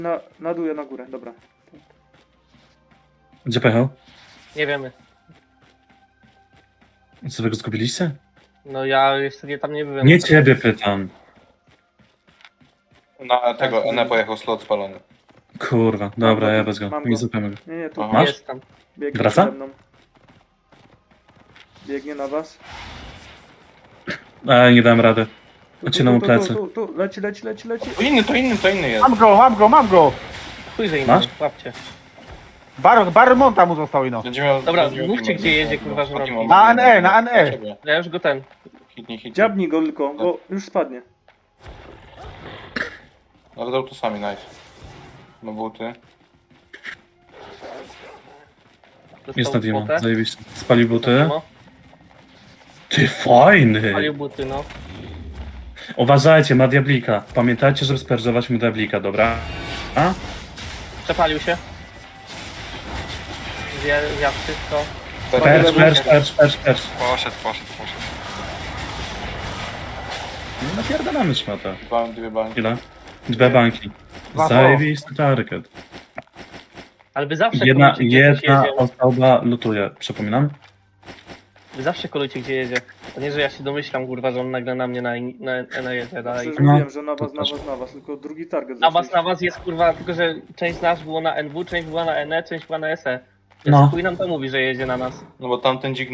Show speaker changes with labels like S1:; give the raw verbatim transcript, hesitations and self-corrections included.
S1: Na, na dół, ja na górę, dobra.
S2: Gdzie pojechał?
S3: Nie wiemy.
S2: Co wy go zgubiliście?
S3: No ja jeszcze nie tam nie byłem.
S2: Nie ciebie pytam.
S4: Na tego,
S1: Tak,
S4: Ene pojechał slot spalony.
S2: Kurwa, dobra,
S1: go,
S2: ja bez go.
S1: mam go.
S2: Nie zupełnie go.
S1: Nie, nie, tu
S4: Aha.
S2: Masz?
S3: Jest tam.
S1: biegnie
S2: Wraca?
S1: przede mną. Biegnie na was.
S2: A, nie dałem rady.
S1: Tu,
S2: Odcinam mu
S1: tu, tu,
S2: plecy.
S1: tu, tu, tu, leci, leci, leci, leci.
S4: To inny, to inny, to inny jest.
S5: Mam go, mam go, mam go!
S3: Chuj, że
S2: Masz?
S3: inny, łapcie.
S5: Bar, bar monta mu został ino.
S4: Będzie miał,
S3: Dobra,
S4: będzie miał
S3: mówcie,
S4: teama.
S3: gdzie jedzie, kurwa, że
S4: Teama,
S3: robi.
S5: Na N E, na N E.
S4: ciebie.
S3: Ja już go ten.
S4: Hitnij, hitnij.
S1: Dziabnij go tylko, bo już spadnie.
S4: Ale dał to sami, nice. No buty.
S3: Dostał
S2: Jest na Dima,
S3: kwotę.
S2: zajebiście. Spalił buty.
S3: No,
S2: Ty fajny!
S3: palił buty, no.
S2: Uważajcie, ma diablika. Pamiętajcie, żeby sperżować mu diablika, dobra? A?
S3: Przepalił się. Zja, zjadł wszystko.
S2: Percz, percz, percz, percz, percz.
S6: Poszedł, poszedł, poszedł.
S2: No napierdalamy szmatę.
S4: Dwa, dwie banki.
S2: Ile? Dwie banki.
S5: Dwa
S2: Zajebisty target.
S3: Ale wy zawsze
S2: Jedna,
S3: kolujcie, gdzie coś
S2: jedna
S3: jedzie.
S2: osoba lutuje, przypominam.
S3: Wy zawsze kolujcie, gdzie jedzie. To nie, że ja się domyślam, kurwa, że on nagle na mnie na, na, na jedzie dalej.
S1: Przecież
S2: No.
S1: mówiłem, że na was,
S2: To
S1: na
S2: też.
S1: was, na was, tylko drugi target.
S3: Na was,
S1: zaczęliście.
S3: na was jest, kurwa, tylko że część z nas było na N W, część była na N E, część była na S E.
S2: No.
S3: Chuj nam to mówi, że jedzie na nas.
S4: No bo tamten dzik